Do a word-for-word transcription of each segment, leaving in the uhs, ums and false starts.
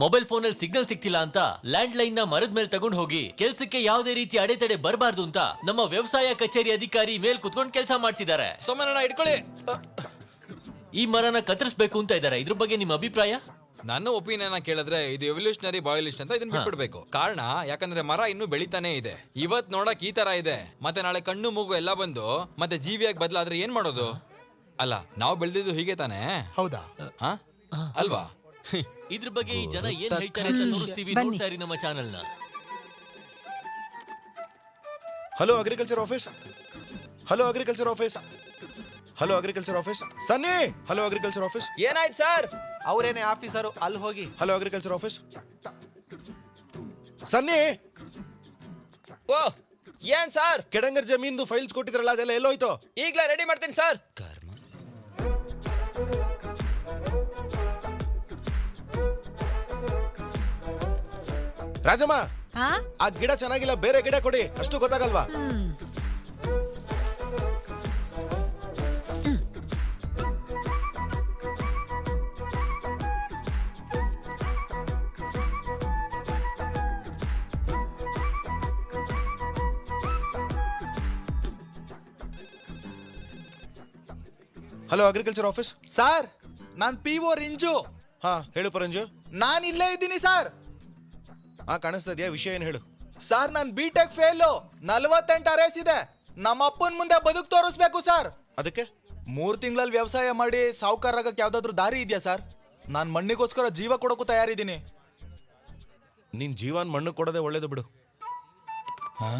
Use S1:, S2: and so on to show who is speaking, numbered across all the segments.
S1: Mobile phone ಅಲ್ಲಿ signal ಸಿಗ್ತಿಲ್ಲ ಅಂತ ಲ್ಯಾಂಡ್ ಲೈನ್ ನ ಮರದ ಮೇಲೆ ತಗೊಂಡು ಹೋಗಿ ಕೆಲ್ಸಕ್ಕೆ ಯಾವುದೇ ರೀತಿ ಅಡೆತಡೆ ಬರಬಾರ್ದು ಅಂತ ನಮ್ಮ ವ್ಯವಸಾಯ ಕಚೇರಿ ಅಧಿಕಾರಿ ಮೇಲ್ ಕುತ್ಕೊಂಡು ಕೆಲಸ ಮಾಡ್ತಿದ್ದಾರೆ.
S2: ಸೋಮಣ್ಣ ಇಟ್ಕೊಳ್ಳಿ.
S1: ಈ ಮರನ ಕತ್ತರಿಸಬೇಕು ಅಂತ ಇದ್ದಾರೆ. ಇದ್ರ ಬಗ್ಗೆ ನಿಮ್ಮ ಅಭಿಪ್ರಾಯ?
S2: ನನ್ನ ಒಪಿನಿಯನ್ ಕೇಳಿದ್ರೆ ಇದು ಎವಲ್ಯೂಷನರಿ ಬಾಯೋಲಿಸ್ಟ್ ಅಂತ ಇದನ್ನ ಬಿಟ್ಬಿಡ್ಬೇಕು. ಕಾರಣ ಯಾಕಂದ್ರೆ ಮರ ಇನ್ನೂ ಬೆಳಿತಾನೆ ಇದೆ. ಇವತ್ ನೋಡಕ್ ಈ ತರ ಇದೆ, ಮತ್ತೆ ನಾಳೆ ಕಣ್ಣು ಮೂಗು ಎಲ್ಲ ಬಂದು ಮತ್ತೆ ಜೀವಿಯಾಗಿ ಬದಲಾದ್ರೆ ಏನ್ ಮಾಡೋದು? ಅಲ್ಲ, ನಾವು ಬೆಳೆದಿದ್ದು ಹೀಗೆ ತಾನೆ?
S3: ಹೌದಾ?
S2: ಅಲ್ವಾ?
S1: ಇದ್ರ ಬಗ್ಗೆ ಈ ಜನ ಏನ್ ಹೇಳ್ತಾರೆ ಅಂತ ತೋರಿಸ್ತೀವಿ. ನೋಡ್ತಾ ಇರಿ ನಮ್ಮ ಚಾನೆಲ್ ನ.
S4: Hello agriculture office, hello agriculture office, hello agriculture office. Sunny, hello agriculture office.
S3: ಏನಾಯ್ತು ಸರ್? ಅವರೇನೇ ಆಫೀಸರು, ಅಲ್ಲಿ ಹೋಗಿ.
S4: Hello agriculture office. Sunny,
S3: oh ಏನ್ ಸರ್?
S4: ಕೆಡಂಗರ್ ಜಮೀನ್ದು ಫೈಲ್ಸ್ ಕೊಟ್ಟಿದ್ರಲ್ಲ, ಅದೆಲ್ಲ ಎಲ್ಲೋಯ್ತು?
S3: ಈಗ್ಲೇ ರೆಡಿ ಮಾಡ್ತೀನಿ ಸರ್.
S4: ರಾಜಮ್ಮ, ಆ ಗಿಡ ಚೆನ್ನಾಗಿಲ್ಲ, ಬೇರೆ ಗಿಡ ಕೊಡಿ. ಅಷ್ಟು ಗೊತ್ತಾಗಲ್ವಾ? Hello agriculture office.
S5: ಸರ್, ನಾನ್ ಪಿ ಓ ರಿಂಜು.
S4: ಹಾ ಹೇಳು ಪರಂಜು.
S5: ನಾನ್ ಇಲ್ಲೇ ಇದ್ದೀನಿ ಸರ್.
S4: ಹಾ ಕಾಣಿಸ್ತಾ ಇದೆಯಾ? ವಿಷಯ ಏನ್ ಹೇಳು?
S5: ಸರ್, ನಾನ್ ಬಿ ಟೆಕ್ ಫೇಲು, ನಲ್ವತ್ತೆಂಟು ಅರೇಸ್ ಇದೆ. ನಮ್ಮ ಅಪ್ಪನ ಮುಂದೆ ಬದುಕು ತೋರಿಸ್ಬೇಕು ಸರ್.
S4: ಅದಕ್ಕೆ
S5: ಮೂರ್ ತಿಂಗಳಲ್ಲಿ ವ್ಯವಸಾಯ ಮಾಡಿ ಸಾವುಕಾರ ಆಗಕ್ಕೆ ಯಾವ್ದಾದ್ರು ದಾರಿ ಇದೆಯಾ ಸರ್? ನಾನ್ ಮಣ್ಣಿಗೋಸ್ಕರ ಜೀವ ಕೊಡೋಕು ತಯಾರಿದ್ದೀನಿ.
S4: ನಿನ್ ಜೀವನ್ ಮಣ್ಣು ಕೊಡೋದೇ ಒಳ್ಳೇದು ಬಿಡು.
S5: ಹಾ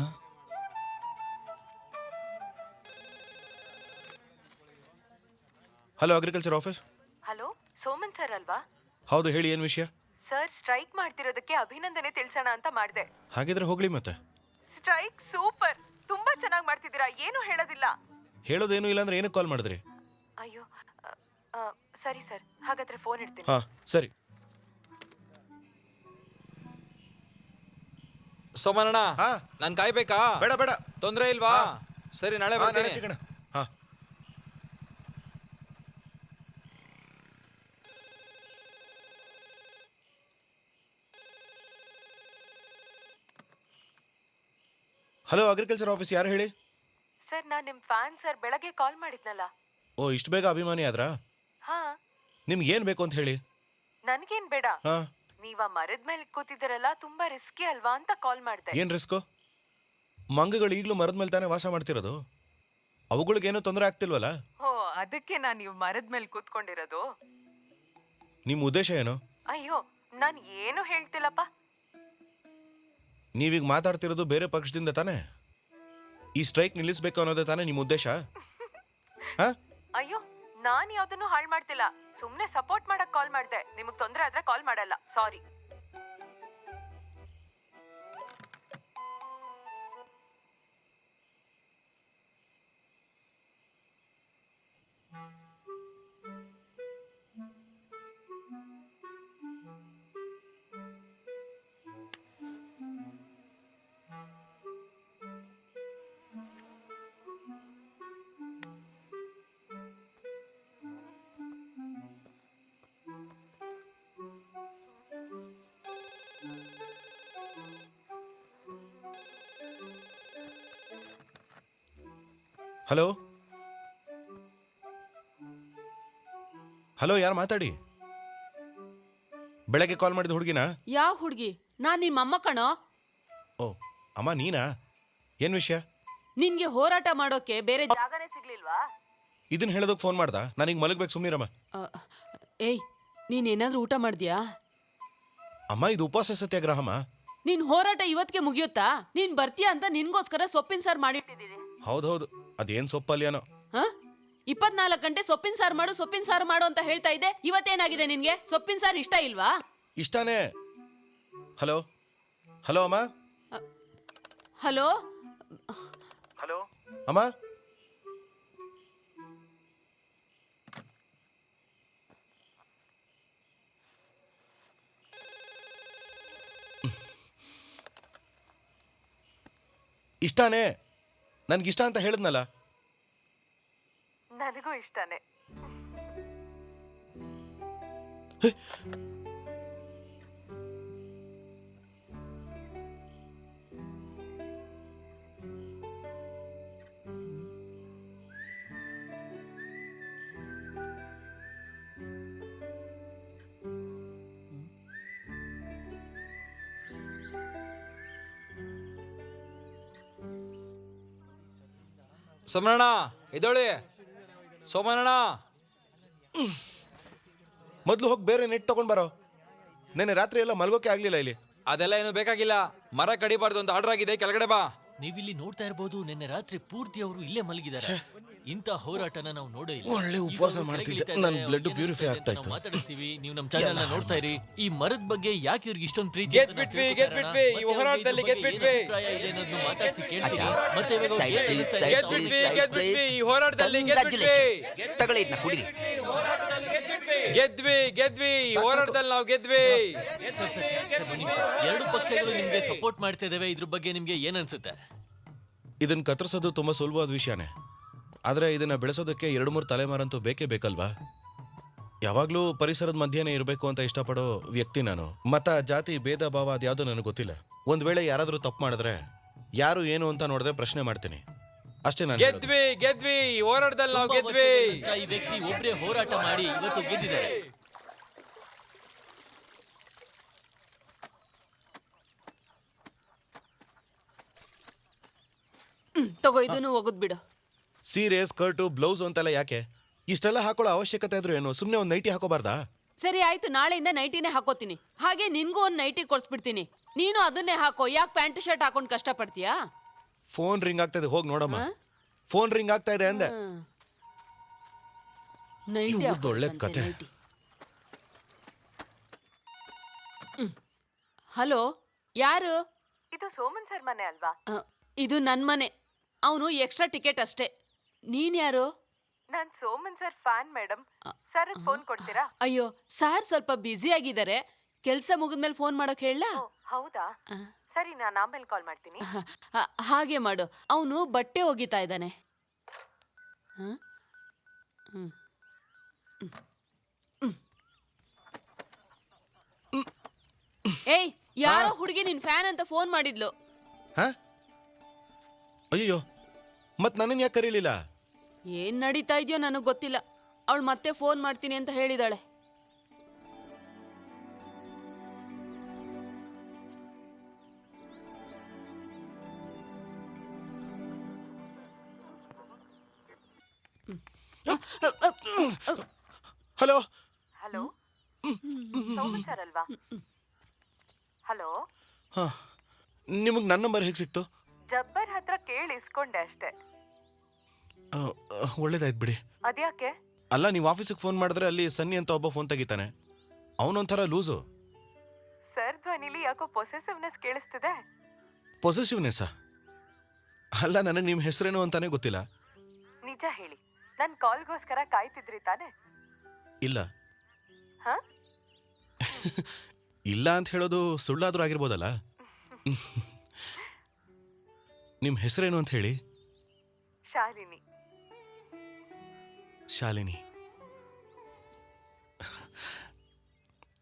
S4: hello agriculture office.
S6: Hello, Soman sir ಅಲ್ವಾ?
S4: ಹೌದು, ಹೇಳಿ, ಏನ್ ವಿಷಯ?
S6: ಸರ್, ಸ್ಟ್ರೈಕ್ ಮಾಡ್ತಿರೋದಕ್ಕೆ ಅಭಿನಂದನೆ ತಿಳಿಸೋಣ ಅಂತ ಮಾಡಿದೆ.
S4: ಹಾಗಿದ್ರೆ ಹೋಗ್ಲಿ ಮತ್ತೆ.
S6: ಸ್ಟ್ರೈಕ್ ಸೂಪರ್, ತುಂಬಾ ಚೆನ್ನಾಗಿ ಮಾಡ್ತಿದ್ದೀರಾ, ಏನು ಹೇಳೋದಿಲ್ಲ.
S4: ಹೇಳೋದೇನು ಇಲ್ಲ ಅಂದ್ರೆ ಏನಕ್ಕೆ ಕಾಲ್ ಮಾಡಿದ್ರಿ?
S6: ಅಯ್ಯೋ, ಅ, ಅ, ಸರಿ ಸರ್, ಹಾಗಾದ್ರೆ ಫೋನ್ ಇಡ್ತೀನಿ.
S4: ಹಾ ಸರಿ.
S2: ಸೋಮಣ್ಣ,
S4: ಹಾ
S2: ನಾನ್ ಕಾಯ್ಬೇಕಾ?
S4: ಬೇಡ ಬೇಡ,
S2: ತೊಂದ್ರೆ ಇಲ್ವಾ? ಸರಿ, ನಾಳೆ
S4: ಹಾ, ನಾಳೆ
S2: ಬರ್ತೀನಿ.
S4: ಸಿಗೋಣ. ಹಾ ಹಲೋ ಅಗ್ರಿಕಲ್ಚರ್ ಆಫೀಸ್, ಯಾರು ಹೇಳಿ?
S6: ಸರ್, ನಾನ್ ನಿಮ್ ಫ್ಯಾನ್ ಸರ್, ಬೆಳಗ್ಗೆ ಕಾಲ್ ಮಾಡಿದ್ನಲ್ಲ.
S4: ಓ, ಇಷ್ಟು ಬೇಗ ಅಭಿಮಾನಿ ಆದ್ರಾ?
S6: ಹಾ,
S4: ನಿಮ್ಗೆ ಏನ್ ಬೇಕು ಅಂತ ಹೇಳಿ.
S6: ನನ್ಗೇನ್ ಬೇಡ,
S4: ಹಾ,
S6: ನೀವ ಮರದ ಮೇಲೆ ಕೂತಿದ್ದೀರಲ್ಲ, ತುಂಬಾ ರಿಸ್ಕಿ ಅಲ್ವಾ ಅಂತ ಕಾಲ್ ಮಾಡಿದೆ.
S4: ಏನ್ ರಿಸ್ಕು? ಮಂಗಗಳು ಈಗಲೂ ಮರದ ಮೇಲೆ ತಾನೇ ವಾಸ ಮಾಡ್ತಿರೋದು. ಅವುಗಳಿಗೇನು ತೊಂದರೆ ಆಗ್ತಿಲ್ವಲ್ಲ?
S6: ಓ, ಅದಕ್ಕೆ ನಾನ್ ನೀವು ಮರದ ಮೇಲೆ ಕೂತ್ಕೊಂಡಿರೋದು.
S4: ನಿಮ್ಮ ಉದ್ದೇಶ ಏನು?
S6: ಅಯ್ಯೋ, ನಾನ್ ಏನು ಹೇಳ್ತಿಲ್ಲಪ್ಪ.
S4: ನೀವೀಗ ಮಾತಾಡ್ತಿರೋದು ಬೇರೆ ಪಕ್ಷದಿಂದ ತಾನೇ? ಈ ಸ್ಟ್ರೈಕ್ ನಿಲ್ಲಿಸ್ಬೇಕು ಅನ್ನೋದೇ ತಾನೇ ನಿಮ್ಮ ಉದ್ದೇಶ? ಹಾ?
S6: ಅಯ್ಯೋ, ನಾನ್ ಯಾವ್ದನ್ನು ಹಾಳು ಮಾಡ್ತಿಲ್ಲ, ಸುಮ್ನೆ ಸಪೋರ್ಟ್ ಮಾಡಕ್ ಕಾಲ್ ಮಾಡ್ದೆ. ನಿಮಗ್ ತೊಂದ್ರೆ ಆದ್ರೆ ಕಾಲ್ ಮಾಡಲ್ಲ, ಸಾರಿ.
S4: ಹಲೋ ಹಲೋ, ಯಾರು ಮಾತಾಡಿ? ಬೆಳಗ್ಗೆ ಕಾಲ್ ಮಾಡಿದ ಹುಡುಗಿನಾ?
S7: ಯಾವ ಹುಡುಗಿ? ನಾನ್ ನಿಮ್ಮ ಅಮ್ಮ ಕಣೋ.
S4: ಓ, ಅಮ್ಮ ನೀನಾ? ಏನ್ ವಿಷಯ?
S7: ನಿನ್ಗೆ ಹೋರಾಟ ಮಾಡೋಕೆ ಬೇರೆ
S6: ಜಾಗನೇ ಸಿಗ್ಲಿಲ್ವಾ?
S4: ಇದನ್ನ ಹೇಳೋದಕ್ಕೆ ಫೋನ್ ಮಾಡ್ದ? ನಾನೀಗ ಮಲಗ್ಬೇಕು, ಸುಮ್ಮನಿರಮ್ಮ.
S7: ಅ, ಏಯ್, ನೀನ್ ಏನಾದ್ರೂ ಊಟ ಮಾಡ್ದ್ಯಾ?
S4: ಅಮ್ಮ, ಇದು ಉಪವಾಸ ಸತ್ಯಾಗ್ರಹಮ್ಮ.
S7: ನಿನ್ ಹೋರಾಟ ಇವತ್ತಿಗೆ ಮುಗಿಯುತ್ತಾ? ನೀನ್ ಬರ್ತೀಯಾ ಅಂತ ನಿನ್ಗೋಸ್ಕರ ಸೊಪ್ಪಿನ ಸಾರು ಮಾಡಿಟ್ಟಿದ್ದೀನಿ.
S4: ಹೌದೌದು, ಅದೇನ್ ಸೊಪ್ಪಲ್ಯಾನೋ.
S7: ಹ ಇಪ್ಪತ್ನಾಲ್ಕು ಗಂಟೆ ಸೊಪ್ಪಿನ ಸಾರು ಮಾಡು, ಸೊಪ್ಪಿನ ಸಾರು ಮಾಡು ಅಂತ ಹೇಳ್ತಾ ಇದ್ದೆ. ಇವತ್ತೇನಾಗಿದೆ ನಿನ್ಗೆ? ಸೊಪ್ಪಿನ ಸಾರು ಇಷ್ಟ ಇಲ್ವಾ?
S4: ಇಷ್ಟಾನೇ. ಹಲೋ ಹಲೋ ಅಮ್ಮ.
S7: ಹಲೋ
S4: ಹಲೋ ಅಮ್ಮ. ಇಷ್ಟಾನೇ? ನನ್ಗಿಷ್ಟ ಅಂತ ಹೇಳಿದ್ನಲ್ಲ.
S6: ನನಗೂ ಇಷ್ಟನೇ.
S2: ಸೋಮಣ್ಣ ಎದೋಳಿ ಸೋಮಣ್ಣ.
S4: ಮೊದಲು ಹೋಗಿ ಬೇರೆ ನೆಟ್ ತಗೊಂಡ್ ಬರೋ. ನೆನ್ನೆ ರಾತ್ರಿ ಎಲ್ಲ ಮಲ್ಗೋಕೆ ಆಗ್ಲಿಲ್ಲ ಇಲ್ಲಿ.
S2: ಅದೆಲ್ಲ ಏನು ಬೇಕಾಗಿಲ್ಲ, ಮರ ಕಡಿಬಾರ್ದು ಅಂತ ಆರ್ಡರ್ ಆಗಿದೆ, ಕೆಳಗಡೆ ಬಾ.
S1: ನೀವಿಲ್ಲಿ ನೋಡ್ತಾ ಇರಬಹುದು, ನಿನ್ನೆ ರಾತ್ರಿ ಪೂರ್ತಿ ಅವರು ಇಲ್ಲೇ ಮಲಗಿದ್ದಾರೆ. ಇಂತ ಹೋರಾಟನ ನಾವು ನೋಡೇ ಇಲ್ಲ.
S4: ಒಳ್ಳೆ
S1: ಈಗ
S4: ಉಪವಾಸ
S1: ಅವ್ರು
S4: ಮಾಡ್ತಿದ್ದೆ.
S1: ಕೆಳಗಿಳಿತಾ
S4: ನನ್
S1: ಇದ್ದಾರೆ,
S4: blood
S1: ಅವ್ರು
S4: purify
S1: ಏನಾಗ್ತಾ ಇದೆ
S4: ಆಗ್ತಾ
S1: ಅಂತ
S4: ಇತ್ತು.
S1: ನಾವು ಮಾತಾಡ್ತೀವಿ. ನೀವು ನಮ್ಮ ಚಾನೆಲ್ ನ ನೋಡ್ತಾ ಇರಿ. ಈ ಮರದ ಬಗ್ಗೆ ಯಾಕೆ ಇವ್ರಿಗೆ ಇಷ್ಟೊಂದು ಪ್ರೀತಿ
S2: ಗೆದ್
S1: ಅಂತ ನಾವು
S2: ಬಿಟ್ವಿ,
S1: ತಿಳ್ಕೊತಾ
S2: ಗೆದ್
S1: ಇರೋಣ.
S2: ಬಿಟ್ವಿ, ಈ
S1: ಮತ್ತೆ ಅವ್ರಿಗೆ
S2: ಹೋರಾಟದಲ್ಲಿ
S1: ಇದ್ರ
S2: ಗೆದ್
S1: ಬಗ್ಗೆ
S2: ಬಿಟ್ವಿ.
S1: ಏನ್ ಅಭಿಪ್ರಾಯ ಇದೆ ಅನ್ನೋದನ್ನ ಮಾತಾಡ್ಸಿ ಕೇಳ್ತೀವಿ. ಮತ್ತೆ ಇವಾಗ ಅವ್ರು
S8: Side
S1: ಏನ್
S8: please,
S1: ಅನಿಸ್ತಾ ಇದೆ
S8: side
S1: ಅಂತ
S2: ಗೆದ್
S1: ಅವ್ರಿಗೆ
S2: ಬಿಟ್ವಿ, ಗೆದ್ ಬಿಟ್ವಿ, ಈ ಹೋರಾಟದಲ್ಲಿ ಗೆದ್ ಬಿಟ್ವಿ.
S8: Congratulations. ತಗೊಳ್ಳಿ ಇದನ್ನ ಕುಡಿರಿ.
S2: ಗೆದ್ವಿ ಗೆದ್ವಿ ಈ ಹೋರಾಟದಲ್ಲಿ ನಾವು ಗೆದ್ವಿ.
S1: ಸರ್, ಸರ್, ಸರ್, ಒಂದ್ ನಿಮಿಷ. ಎರಡು ಪಕ್ಷಗಳು ನಿಮ್ಗೆ ಸಪೋರ್ಟ್ ಮಾಡ್ತಾ ಇದಾವೆ. ಇದ್ರ ಬಗ್ಗೆ ನಿಮ್ಗೆ ಏನ್ ಅನ್ಸುತ್ತೆ?
S4: ಇದನ್ನ ಕತ್ತರಿಸೋದು ತುಂಬಾ ಸುಲಭವಾದ ವಿಷಯನೇ, ಆದ್ರೆ ಇದನ್ನ ಬೆಳೆಸೋದಕ್ಕೆ ಎರಡು ಮೂರು ತಲೆಮಾರಂತೂ ಬೇಕೇ ಬೇಕಲ್ವಾ? ಯಾವಾಗ್ಲೂ ಪರಿಸರದ ಮಧ್ಯೆನೇ ಇರಬೇಕು ಅಂತ ಇಷ್ಟಪಡೋ ವ್ಯಕ್ತಿ ನಾನು. ಮತ, ಜಾತಿ, ಭೇದ ಭಾವ ಅದ್ಯಾವುದೂ ನನಗೆ ಗೊತ್ತಿಲ್ಲ. ಒಂದ್ ವೇಳೆ ಯಾರಾದ್ರೂ ತಪ್ಪು ಮಾಡಿದ್ರೆ ಯಾರು ಏನು ಅಂತ ನೋಡಿದ್ರೆ ಪ್ರಶ್ನೆ ಮಾಡ್ತೀನಿ ಅಷ್ಟೇ. ನಾನು ಹೇಳೋದು.
S2: ಗೆದ್ವಿ ಗೆದ್ವಿ ಈ ಹೋರಾಟದಲ್ಲಿ ನಾವು
S1: ತುಂಬಾ
S2: ಗೆದ್ವಿ.
S1: ವರ್ಷಗಳ ನಂತ್ರ ಈ ವ್ಯಕ್ತಿ ಒಬ್ರೇ ಹೋರಾಟ ಮಾಡಿ ಇವತ್ತು ಗೆದ್ದಿದ್ದಾರೆ.
S7: ಹ್ಮ್, ತಗೋ ಇದನ್ನು ಒಗದ್ ಬಿಡು.
S4: ಸೀರೆ, ಸ್ಕರ್ಟು, ಬ್ಲೌಸ್ ಅಂತೆಲ್ಲ ಯಾಕೆ? ಇಷ್ಟೆಲ್ಲ ಹಾಕೊಳ್ಳೋ ಅವಶ್ಯಕತೆ ಇದ್ರು ಏನು? ಸುಮ್ಮನೆ ಒಂದು ನೈಟಿ ಹಾಕೋಬಾರ್ದಾ?
S7: ಸರಿ ಆಯ್ತು, ನಾಳೆಯಿಂದ ನೈಟಿನೇ ಹಾಕೋತೀನಿ. ಹಾಗೆ ನಿನ್ಗೂ ಒಂದ್ ನೈಟಿ ಕೊಡ್ಸ್ಬಿಡ್ತೀನಿ. ನೀನು ಅದನ್ನೇ ಹಾಕೋ. ಯಾಕೆ ಪ್ಯಾಂಟ್ ಶರ್ಟ್ ಹಾಕೊಂಡು ಕಷ್ಟ ಪಡ್ತೀಯಾ?
S4: ಫೋನ್ ರಿಂಗ್ ಆಗ್ತಾ ಇದೆ, ಹೋಗಿ ನೋಡಮ್ಮ. ಫೋನ್ ರಿಂಗ್ ಆಗ್ತಾ ಇದೆ ಅಂದೆ.
S7: ನೈಟಿ
S4: ಇವ್ರ್ದ್ ಒಳ್ಳೆ ಕತೆ.
S7: ಹಲೋ, ಯಾರು?
S6: ಇದು ಸೋಮನ್ ಸರ್ ಮನೆ ಅಲ್ವಾ?
S7: ಅ, ಇದು ನನ್ ಮನೆ. ಅವನು ಎಕ್ಸ್ಟ್ರಾ ಟಿಕೆಟ್ ಅಷ್ಟೇ. ನೀನ್ ಯಾರು?
S6: ನಾನ್ Soman sir fan madam. Sir phone ಕೊಡ್ತೀರಾ?
S7: ಅಯ್ಯೋ, ಸಾರ್ ಸ್ವಲ್ಪ ಬ್ಯುಸಿ ಆಗಿದ್ದಾರೆ. ಕೆಲ್ಸ ಮುಗಿದ್ಮೇಲೆ ಫೋನ್ ಮಾಡೋಕ್ ಹೇಳ.
S6: ಓ, ಹೌದಾ? ಸರಿ, ನಾನು ಆಮೇಲೆ ಕಾಲ್ ಮಾಡ್ತೀನಿ.
S7: ಹಾಗೆ ಮಾಡು. ಅವನು ಬಟ್ಟೆ ಒಗಿತಾ ಇದ್ದಾನೆ. ಹ? ಹ್ಮ್. ಹ್ಮ್. ಹ್ಮ್. ಏಯ್, ಯಾರೋ ಹುಡುಗಿ ನಿನ್ ಫ್ಯಾನ್ ಅಂತ ಫೋನ್ ಮಾಡಿದ್ಲು.
S4: ಹಾ? ಅಯ್ಯೋ, ಮತ್ ನನ್ನನ್ನು ಯಾಕೆ ಕರೀಲಿಲ್ಲ?
S7: ಏನ್ ನಡೀತಾ ಇದೆಯೋ ನನಗ್ ಗೊತ್ತಿಲ್ಲ. ಅವಳು ಮತ್ತೆ ಫೋನ್ ಮಾಡ್ತೀನಿ ಅಂತ ಹೇಳಿದಾಳೆ.
S4: ಹಲೋ.
S6: ಹಲೋ, ಸೋಮನ್ ಸರ್ ಅಲ್ವಾ? ಹಲೋ,
S4: ಹಾ, ನಿಮಗೆ ನನ್ನ ನಂಬರ್ ಹೇಗೆ ಸಿಕ್ತು?
S6: ಜಬ್ಬರ್ ಹತ್ರ ಕೇಳಿ ಇಸ್ಕೊಂಡೆ ಅಷ್ಟೇ.
S4: ಆ, ಆ, ಒಳ್ಳೇದಾಯ್ತು ಬಿಡಿ.
S6: ಅದ್ಯಾಕೆ?
S4: ಅಲ್ಲ, ನೀವು ಆಫೀಸಿಗೆ ಫೋನ್ ಮಾಡಿದ್ರೆ ಅಲ್ಲಿ ಸನ್ನಿ ಅಂತ ಒಬ್ಬ ಫೋನ್ ತೆಗಿತಾನೆ. ಅವನೊಂಥರ ಲೂಸು.
S6: ಸರ್ ಧ್ವನಿಲಿ ಯಾಕೋ ಪೊಸೆಸಿವ್ನೆಸ್ ಕೇಳಿಸ್ತಿದೆ.
S4: ಪೊಸೆಸಿವ್ನೆಸ್ಸಾ? ಅಲ್ಲ, ನನಗೆ ನಿಮ್ಮ ಹೆಸರೇನು ಅಂತಾನೆ ಗೊತ್ತಿಲ್ಲ.
S6: ನಿಜ ಹೇಳಿ, ನನ್ ಕಾಲ್ಗೋಸ್ಕರ ಕಾಯ್ತಿದ್ರಿ ತಾನೆ?
S4: ಇಲ್ಲ.
S6: ಹ?
S4: ಇಲ್ಲ ಅಂತ ಹೇಳೋದು ಸುಳ್ಳಾದ್ರೂ ಆಗಿರ್ಬೋದಲ್ಲ. ನಿಮ್ಮ ಹೆಸರೇನು ಅಂತ ಹೇಳಿ.
S6: ಶಾಲಿನಿ.
S4: ಶಾಲಿನಿ.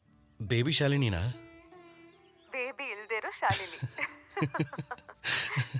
S4: ಬೇಬಿ ಶಾಲಿನಿನಾ?
S6: ಬೇಬಿ ಇಲ್ದಿರೋ ಶಾಲಿನಿ.